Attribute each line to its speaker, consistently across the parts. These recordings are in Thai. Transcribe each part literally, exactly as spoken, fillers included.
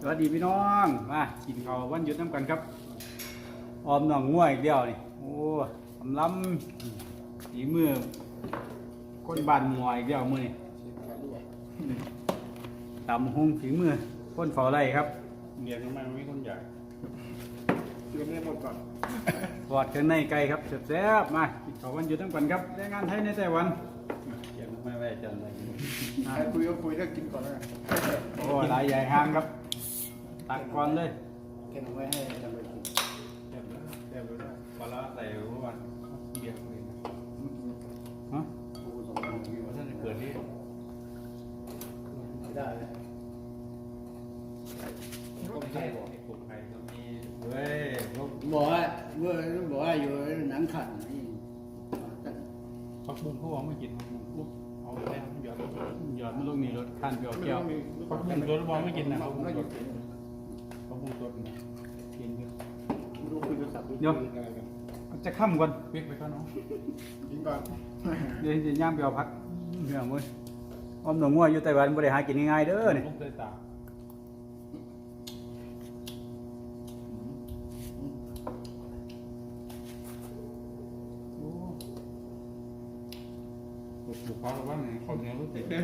Speaker 1: สวัสดีพี่น้องมากินข้าววันหยุดน้ำกันครับออมหนองง่วยอีกเดียวนี่โอ้ทำล้ำสีมือคนบ้านหมวยอีกเดียวมือนี่ตำหุ้งฝีมือคนเฝ้าไร่ครับ
Speaker 2: เดี๋ยวทำไมมันไม่คนใหญ่เดี๋ยวไม่หมดก่อน
Speaker 1: ทอดเครื่องในไก่ครับแซ่บๆมากินข้าววันหยุดน้ำกันครับแรงงานไทยในไต้หวัน
Speaker 2: เดี๋ยวไม่แว่จันเลย
Speaker 1: อ่ะ
Speaker 3: ใครคุยก็คุยถ้ากินก่อนนะ
Speaker 1: โอ้หลายใหญ่ห้างครับตักก่อนเลย
Speaker 3: เก็บเอาไว้ให้จำไปกิน
Speaker 2: เดี๋ยวแล้วเดี๋ยวแล้วปลาใส่เมื่อวันเบียร์เลยนะ
Speaker 1: ฮะ
Speaker 3: กูสองคนกิน
Speaker 2: ว่าท่านจะเกิดที่
Speaker 3: ไม่ได้เลย
Speaker 2: ผมใช่บอกผมใครก็มีเว้ยเขา
Speaker 3: บอกว่าเมื่อบอกว่าอยู่หนังขันนี่
Speaker 2: พักบุ้งเขาบอกไม่กินพักบุ้งลูกเอาไปแล้วหยอด
Speaker 1: หยอดมันลงนี่รถขั้นเปรี้ยว
Speaker 2: ไม่
Speaker 1: เกี่ยว
Speaker 2: ต้องมีพักบุ้งตัวบอกไม่กินนะพักบุ้งตัวพักบุ้งตัวนะกินกัน
Speaker 3: รู้คุยโทรศัพท์
Speaker 1: เดี๋ยวจะค่ำก่อน
Speaker 2: เปียกไปก่อนเนาะ
Speaker 3: กินก่อน
Speaker 1: เดี๋ยวจะย่างไปเอาพักเรื่องมึงออมหนองง่วยอยู่ไต้หวันบ่ได้หากินง่ายๆเด้อนี่
Speaker 2: ลูกใส่ตาบุกเขาแล้วว่าไงคนเนี้ยรู้ติด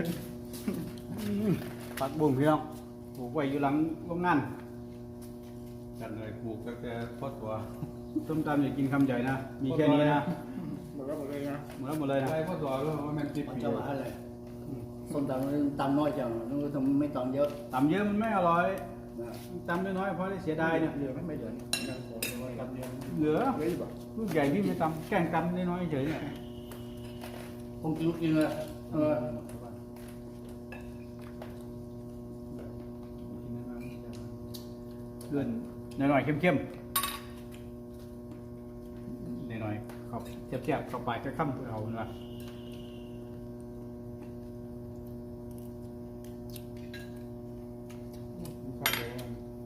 Speaker 1: พักบุ้งพี่น้องปลูกไว้อยู่หลังโรงงาน
Speaker 2: กันเลยปลูกตั้งแต่ทอดตัว
Speaker 1: ต้มตำอย่ากินคำใหญ่นะ มีแค่นี้นะ
Speaker 3: หมดแล้วหมดเลยนะ
Speaker 1: หมดแล้วหมดเลยนะ
Speaker 2: อะไรทอดตัวก็มันติด
Speaker 3: มัน
Speaker 2: ปี
Speaker 3: จะมาอะไรส้มตำตำน้อยจังนึกว่าทำไม่ตำเยอะ
Speaker 1: ตำเยอะมันไม่อร่อย
Speaker 3: นะ
Speaker 1: ตำน้อยๆเพราะได้เสียดายเนี่ย
Speaker 3: เหลือไม่เหลือยังขอไว้ครับเดียว
Speaker 1: เหลือ
Speaker 3: เหลืออยู่ป่ะ
Speaker 1: ลูกใหญ่ที่ไม่ตำแกล้งตำน้อยๆเฉยเนี่ย
Speaker 3: คงกินกินเลยเออ
Speaker 1: เลื่อนหน่อยๆเข้มๆหน่อยๆครับเจ็บๆเข้าไปก็ค่ำเพื่อเอาเนาะ
Speaker 2: ข้าวเลย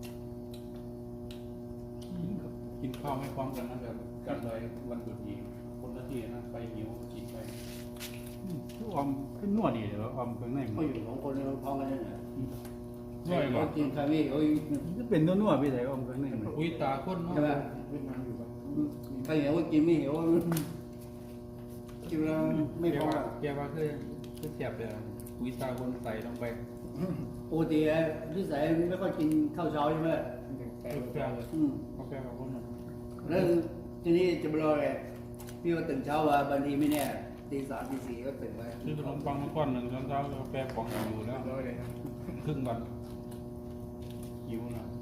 Speaker 2: กินข้าวไม่พร้อมกันนะแบบกันเลยวันหยุดอีกคนละทีนะไปหิวกินไป
Speaker 1: คือออมขึ้นนวดดีเลยออมเครื่องในมั
Speaker 3: เขา
Speaker 1: น
Speaker 3: อยู่สองคนพร้อมกันเนี่ย
Speaker 2: ด้วยหรอ
Speaker 3: เขากินคาเฟ่เขา
Speaker 1: จะเป็นนวดๆไปไหนออมเครื่องในมัน
Speaker 2: อุ้ยตาข้นเนาะ
Speaker 3: ใช่ไหม
Speaker 2: เวียดนามอยู่ปะ
Speaker 3: ใครเหนียวก็กินไม่เหนียวกินแล้วไม่พอ
Speaker 2: แกว่าคือคือเสียบเลยอุ้ยตาคนใส่ลงไป
Speaker 3: ปกติพี่สายไม่ค่อยกินข้าวเช้าใช่ไหม
Speaker 2: แก้วเลย
Speaker 3: อืม
Speaker 2: เขาแก้วกับคนนั้น
Speaker 3: แล้วทีนี้จะไปรอไงพี่ก็ตื่นเช้าว่าบางทีไม่แน่ตีสามตีสี่ก็ตื่นไว้
Speaker 2: ซื้อขนมปังมาก้อนหนึ่งตอนเช้ากาแฟป๋องอยู่แล้ว
Speaker 3: รอเลยครับ
Speaker 2: ครึ่งวันหิวนะ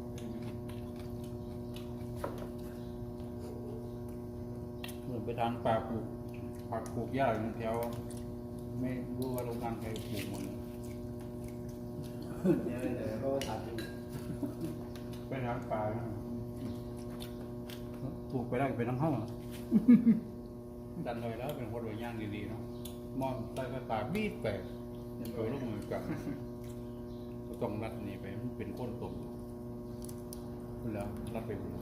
Speaker 2: เหมือนไปทางป่าปลูกผักปลูกหญ้าอยู่แถวไม่รู้ว่าโรงงานใครปลูกหมดเลย
Speaker 3: เดี๋ยวเดี๋ยวเขาตัดอยู่
Speaker 2: ไปทางป่านะ
Speaker 1: ปลูกไปได้เป็นน้ำห้อง
Speaker 2: ดันเลยแล้วเป็นคนรวยย่างดีๆเนาะมอนใต้ตาบีดแปลกเออลูกมือกับก็ต้องรัดนี่ไปมันเป็นก้นตมแล้วรัดไปหมด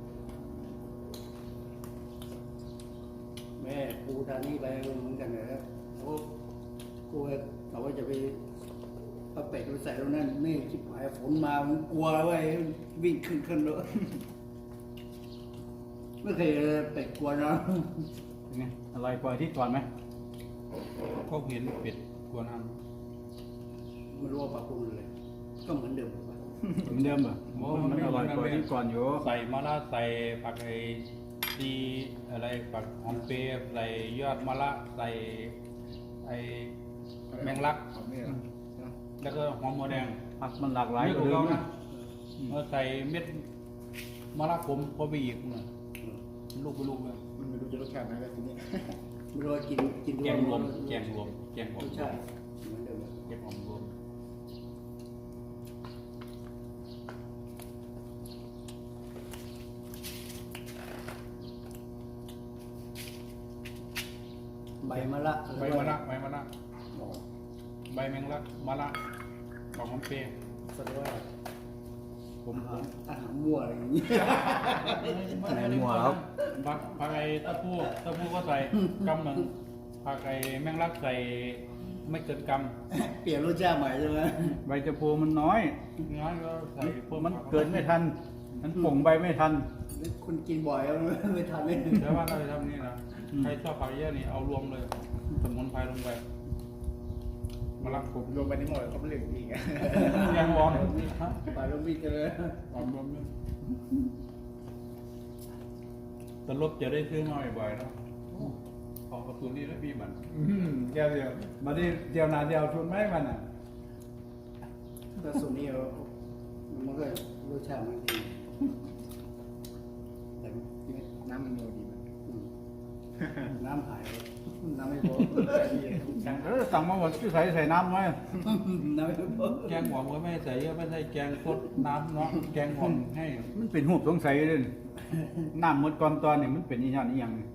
Speaker 3: แม่กูทางนี้ไปเหมือนกันเลยโอ้กูเขาว่าจะไปเอาเป็ดไปใส่ตรงนั้นนี่ชิบหายฝนมาผมกลัวเว้ยวิ่งขึ้นขึ้นเลยไม่เคยเป็ดกลัวนะ
Speaker 1: เป็นไงอร่อยกว่าที่ก่อนไหม
Speaker 2: เขาเห็นเป็ดกลัวน้
Speaker 3: ไม่รู้ว่าปรับปรุงเลย ก็เหมือนเดิม
Speaker 1: เหมือนเดิมเหรอโอ้มันอร่อยกว่าที่ก่อนอยู่
Speaker 2: ำใส่มะระใส่ผักไอ้ตีอะไรผักหอมเปรย์ใส่ยอดมะระใส่ไอ้แมงลัก แล้วก็หอมหัวแดง
Speaker 1: ผักมันหลากหลาย
Speaker 2: นี่
Speaker 1: ก
Speaker 2: ข
Speaker 1: ว่า
Speaker 2: อง
Speaker 1: เดิม
Speaker 2: เรา
Speaker 1: นะ
Speaker 2: นะเมื่อใส่เม็ดมะระขมพอไปอีกนะลูกไปลูกเลย
Speaker 3: มันไม่รู้จะรสชาติไหนแล้วทีนี้ ไม่รู้ว่ากินกิน
Speaker 2: แกงรวมแกงรวมแกงหอม
Speaker 3: รส
Speaker 2: รว
Speaker 3: ชาม ติเหมือนเดิม
Speaker 2: แกงหอมรวม
Speaker 3: ใบมะละ
Speaker 2: ใบมะระใบมะระใบแมงลักมะระของหอมเปรย์
Speaker 3: แสดงว่า
Speaker 2: ผมผม
Speaker 3: อาหารมั่วอะไรอย่างนี้
Speaker 2: ผักผักไอ้ตะปูตะปูก็ใส่กำหนึ่งผักไอ้แมงลักใส่ไม่เกินกรรม
Speaker 3: เปลี่ยนรสชาติใหม่ใช่ไหม
Speaker 1: ใบจะพูมันน้อย
Speaker 2: น้อยก็ใส่เพิ่ม
Speaker 1: มันเกิดไม่ทัน มันป่งใบไม่ทัน
Speaker 3: คุณกินบ่อยแล้วไม่ทันเลย
Speaker 2: แต่ว่าเราจะทำนี่นะใครชอบผักเยอะนี่เอารวมเลยสมุนไพรลงไปมาลักผม
Speaker 4: รวมไปในหมดเขาเป็นเรื่องดีไง
Speaker 2: ยังวอน
Speaker 3: ปลาลูกบิดกันเลย
Speaker 2: หอมรวมด้วยแต่รถจะได้ซื้อมาบ่อยๆเนาะออกประตูนี่แล้วพี่มัน
Speaker 1: เดียวเดียวมาดิเดียวนาเดียวทุนไหมมันอ่ะ
Speaker 3: แต่ส่วนนี้เรามันก็รสชาติมันดีแต่
Speaker 4: น้ำมันโนดีมัน
Speaker 3: น้ำหายน้ำไม่พอ
Speaker 1: เออสั่งมาหมดที่ใส่ใส่น้ำไว้
Speaker 3: น้ำไม่พอ
Speaker 2: แกงหอมก็ไม่ใส่เยอะไม่ใช่แกงสดน้ำเนาะแกงหอมให้
Speaker 1: มันเป็นหูบสงสัยเลยน้ำหมดก่อนตอนนี่มันเป็นอีหยังอีหยังนี่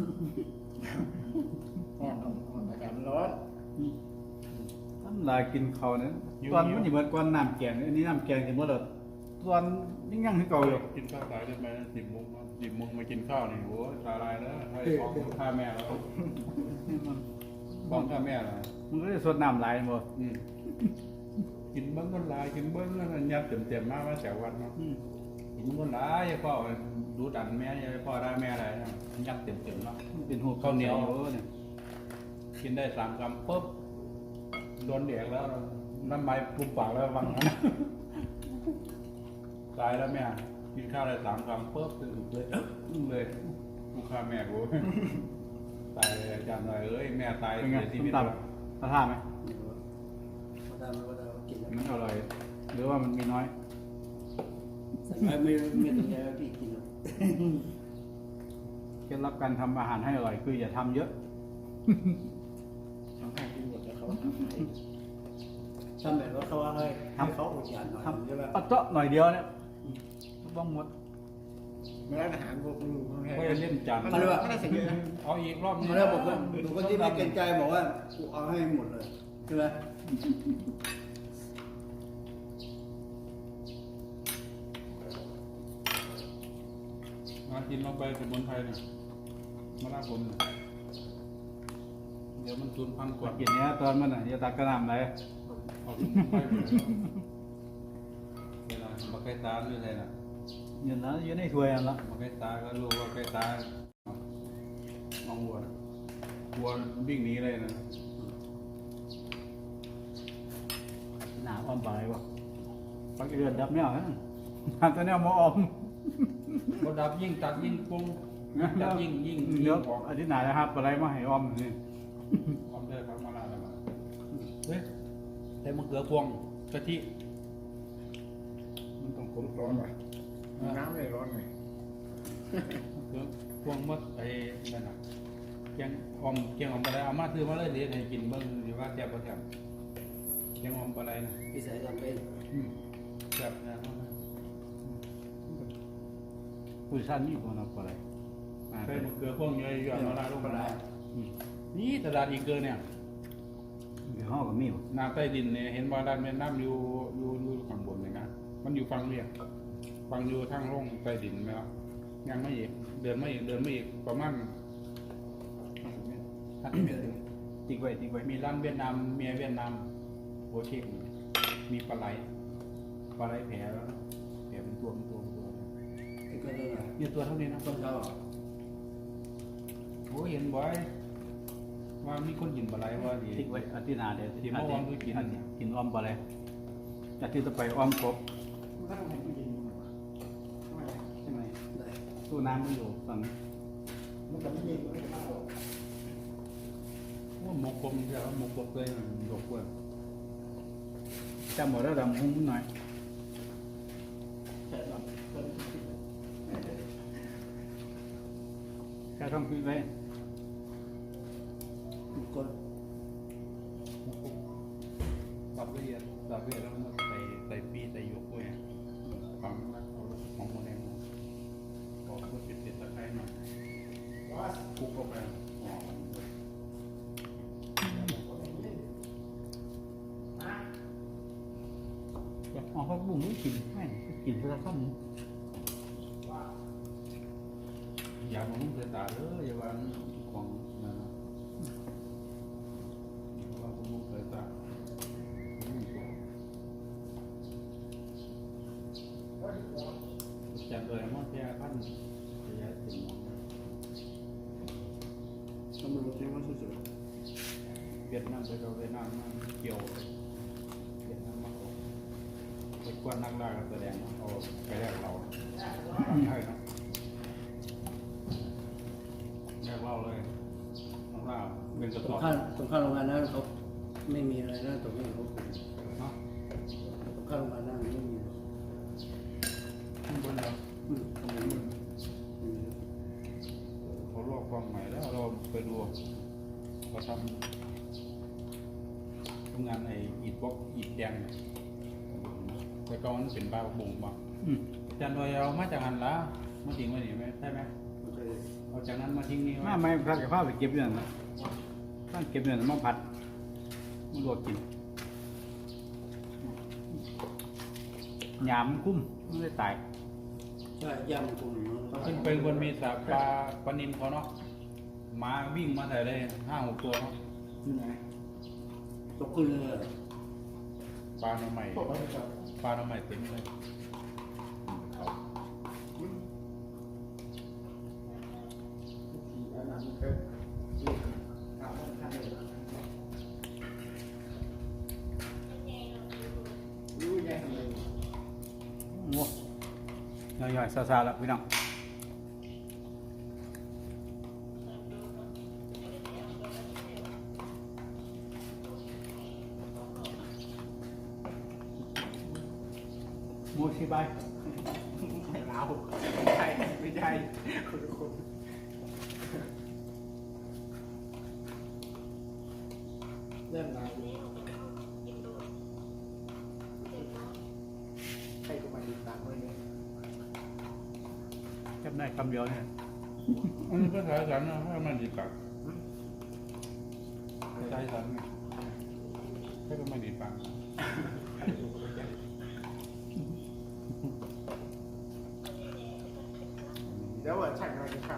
Speaker 4: ร้อนร้อนอากาศมันร้อน
Speaker 1: น้ำลายกินเขาวเนี่ยตอนมันอยู่เหมือนก่อนน้ำแกงอันนี้น้ำแกงจะหมดแล้วตอนยังยังให้เก่าอยู่
Speaker 2: กินข้าวสายกันไปสิบโมงสิบโมงมากินข้าวนี่โอ้ยตาลายแล้วให้ฟ้องฆ่าแม่แล้วฟ้องฆ่าแม่แล้ว
Speaker 1: มันก็จะสดน้ำลายหมด
Speaker 2: อืมกินเบิ้งก็ลายกินเบิ้งแล้วยัดเต็มๆมากว่าแต่วันเนาะกินก็ลายพ่อดูดันแม่ยายพ่อได้แม่อะไรนะยัดเต็มๆเนาะ
Speaker 1: มันเป็นหูบ
Speaker 2: ข้าวเหนียว
Speaker 1: สงสัเนี่ย
Speaker 2: กินได้สามคำปุ๊บโดนเด็กแล้วน้ำลายปุบปากแล้ววังนะตายแล้วแม่กินข้าวได้สามคำปุ๊บตื่นเลยเลยลูกค้าแม่กูตายเลยอาจารย์เลยเอ้ยแม่ตาย
Speaker 1: เป็นไง
Speaker 2: เสียชี
Speaker 1: ส้ม
Speaker 2: วิต
Speaker 1: ต
Speaker 2: แล้ว
Speaker 1: ำกระทาไหม
Speaker 3: ก็ได้ก็ได้กินแล้ว
Speaker 1: มันอร่อย หรือว่ามันมีน้อย
Speaker 3: ไม่ไม่ไม่ต้องแย่พี่กินแล้ว
Speaker 1: เคล็ดลับการทำอาหารให้อร่อยคืออย่าทำเยอะ
Speaker 4: ทั้งห้ากินหมดแล้วเขาทำให้
Speaker 3: ทำแบบว่าเขาว่าให้ให้เขาอุจจาระหน่อย
Speaker 1: ทำ
Speaker 3: ใช่ไหม
Speaker 1: เอาเจาะหน่อยเดียวเนี่ยต้องหมด
Speaker 4: ร้านอาหารพวกลูกพวกแม่
Speaker 2: ก็จะเล่นจาน
Speaker 4: มันไม่ได้ใส่เยอะนะ
Speaker 2: เอาอีกรอบนึง
Speaker 3: มาแล้วบอกว่าหนูคนที่ไม่เกรงใจบอกว่ากูเอาให้หมดเลยใช่ไหม
Speaker 2: มากินลงไปสมุนไพรเนี่ยมาลาผมเนี่ยเดี๋ยวมันสูญพันธุ์ก
Speaker 1: ก
Speaker 2: ว่า
Speaker 1: ดกินเนี้ยตอนมันอ่ะอย่าตักกระหน่ำเลย
Speaker 2: เอาสมุนไพรไปเลยเวลามาใกล้ตาหรืออะไรน่ะ
Speaker 1: อยู่นะอยู่ในถ้วยอันละ
Speaker 2: มาใกล้ตาก็รู้ว่าใกล้ตาน้องวัวน่ะวัววิ่งหนีเลยนะ
Speaker 1: หนาอ้อมไปวะปักเรือนดับเนี่ยฮะหาตัวเนี้ยมาออม
Speaker 2: บดับยิ่งตัดยิ่งปุ้งตัดยิ่งยิ่ง
Speaker 1: เดี๋ยว
Speaker 2: ออก
Speaker 1: อาทิตย์หน้านะครับอะไรมาให้ออมนี่
Speaker 2: ออมได้ครับมาลาแล้วมาเฮ้ยใส่มะเขือพวงกะทิ
Speaker 1: มันต้องขม
Speaker 4: ร้อนว่ะน้ำเลยร้อนเลย
Speaker 2: มะเขือพวงมดไอ้นั่นน่ะแกงออมแกงออมอะไรเอามาซื้อมาเลยเดี๋ยวให้กินเบิ่งหรือว่าแซ่บบ่แซ่บแกงออมอะไรนะ
Speaker 3: พี่สายทำเป็น
Speaker 2: อืมแซ่บนะ
Speaker 1: คุยสั้นนี่คนเอาอะไรมา
Speaker 2: ใส่มะเขือพวงเยอะๆมาลาลงมาลานี่ตลาดอีเกอร์เนี่ย
Speaker 1: เดี๋ยวห้องกับมีวะ
Speaker 2: น้ำใต้ดินเนี่ยเห็นว่าด้านแม่น้ำอยู่อยู่อยู่ฝั่งบนเลยนะมันอยู่ฝั่งเรียกฝั่งอยู่ทางร่องใต้ดินไหมครับยังไม่อีกเดินไม่อีกเดินไม่อีกประมาณห้าสิบเมตร
Speaker 1: ติ๊กไว้ติ๊กไว้
Speaker 2: มีร้านเวียดนามเมียเวียดนามหัวเชกมีปลาไหลปลาไหลแผลแล้วนะแผลเป็นตัวเป็นตัวเป็นตัว
Speaker 3: ก็ได้
Speaker 2: เนี่ยตัวเท่านี้นะ
Speaker 3: ต้นข้าว
Speaker 2: โอ้เห็นบ่อยว่ามีคนกินปลาไหลว่าดี
Speaker 1: ติ๊กไว้อาทิตย์หน้าเดี๋ยว
Speaker 2: ที่เมื่อวานคือกิน
Speaker 1: อาทิตย์กินอ้อมอะไรอาทิตย์ต่อไปอ้อมกบ
Speaker 4: มันก็ต้องให้ผู้หญิงทำไม
Speaker 1: ใช่ไหม
Speaker 3: ได้
Speaker 1: ตู้น้ำมันอยู่ฝั่งนี้
Speaker 4: มันจะไม่เย็นมันจะไม่ร้อน
Speaker 2: ว่าหมกกลมเดียวหมกกลมเลยมันดกกว่า
Speaker 1: จำหมดแล้วดำหุ้มหน่อย
Speaker 3: แต่ตอนตอน
Speaker 1: แค่ต้องคิดไว้
Speaker 3: ก็
Speaker 2: สับละเอียดสับละเอียดแล้วมันใส่ใส่ปีใส่หยวกด้วยความรักเอาหอมแดงบอกว่าติดติดตะไคร้หน่อยคลุกเข้าไปหอม
Speaker 1: อ๋อเขาบุ้งไม่กินแม่งกินเพื่อข้าวหมู
Speaker 2: อย่ามาลุ่มเสียตาเด้ออย่าวางของนะว่าผมลุ่มจังเลยมันแค่พันจะย้ายถึงหมอง
Speaker 3: ทำมันรู้สึกว่าสุด
Speaker 2: เวียดนามไปเราเวียดนามมาเกี่ยวเวียดนามมาออกไปกวนนักล่ากับแสดงเอาไปแรกเราใช่เนาะแรกเราเลยนักล่าเป็นกระ
Speaker 3: ๆต
Speaker 2: ส
Speaker 3: ร
Speaker 2: อง บ
Speaker 3: ข้างตรงข้างโรงงานนั้นเขาไม่มีอะไรนะตรงนี้เขา
Speaker 2: เนาะ
Speaker 3: ตรงข้างโรงงานนั้นไม่มี
Speaker 2: ข้างบนเรา
Speaker 3: อืมอืมอืม
Speaker 2: เขาลอกความใหม่แล้วเราไปดูเขาทำทำงานไอ้อิฐบล็อกอิฐแดงแต่ก่อนมันเป็นบ้าบุ่งมา
Speaker 1: อืม
Speaker 2: อาจารย์โดยเอามาจากหันละมาทิ้งไว้นี่ไหมใช่ไหม
Speaker 3: โอเค
Speaker 2: เอาจากนั้นมาทิ้งนี่
Speaker 1: มา
Speaker 2: ไว้
Speaker 1: ไม่พัดกับข้าวไปเก็บเนื้อนะตั้งเก็บเนื้อมาผัดมาลวกกินหยามกุ้มไม่ได้ตาย
Speaker 3: ใช่ยำกลุ่ม
Speaker 2: ซึ่งเป็นคนมีสาปลาปลานินเขาเนาะหมาวิ่งมาใส่ได้ห้าหกตัวเนาะ
Speaker 3: ที่ไหนตกขึ้นเลย
Speaker 2: ปลาหน่อใหม่
Speaker 4: พวกมันจะ
Speaker 2: ปลาหน่อใหม่เต็มเลยเขา
Speaker 4: ทีอันนั้นก็ที่ทำทำเลยรู้ยังไง
Speaker 1: โอ้ย่อยๆซาๆแล้วพี่น้องโมชิบาย
Speaker 4: ไม่เราไม่ใช่ไม่ใช่คนละคนเริ่มมาใครก็มาติดตามด้วยเนี่ย
Speaker 1: จำได้คำเดียวเนี่ย
Speaker 2: อันนี้ภาษาอีสานนะถ้ามันดีปากภาษาอีสานไงให้ก็ไม่ดีปาก
Speaker 4: แล้วว่าช่างอะไรข่าว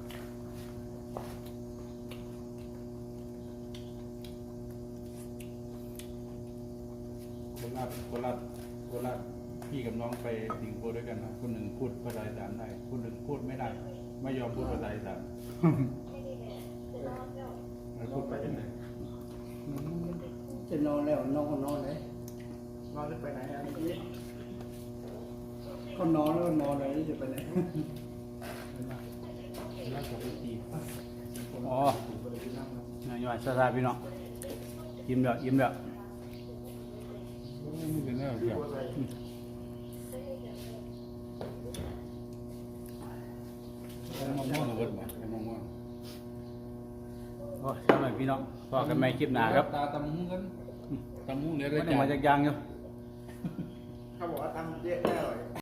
Speaker 2: โคราชโคราชโคราชพี่กับน้องไปสิงคโปร์ด้วยกันนะคนหนึ่งพูดภาษาอีสานได้คนหนึ่งพูดไม่ได้ ไม่ยอมพูดภาษาอีสานไม่พูดไปยังไง
Speaker 3: จะนอนแล้วนอนก็นอนเลย
Speaker 4: นอนหรือไปไหนอ่ะเมื่อกี้
Speaker 3: ก็นอนแล้วนอนเลยจะไปไหน
Speaker 2: แล้วจะไปตี
Speaker 1: อ๋อย่อยๆซาๆพี่น้องยิ้มเด้อยิ้มเด้อ
Speaker 2: ไม่เป็นไรหรอก
Speaker 4: ที่
Speaker 2: เดี๋ยว
Speaker 4: บัวใส่
Speaker 2: มะม่วงหรือเบิดหมดมะม่วง
Speaker 1: โอ้สำหรับพี่น้องพอกันใหม่คลิปหน้าครับ
Speaker 2: ตาตำมุ้งกันตำมุ้งเดี๋ยวได้
Speaker 1: ไม่ได้
Speaker 2: จ่า
Speaker 1: มาจากยางอยู่
Speaker 4: เขาบอกว่าทำเยอะได้เลย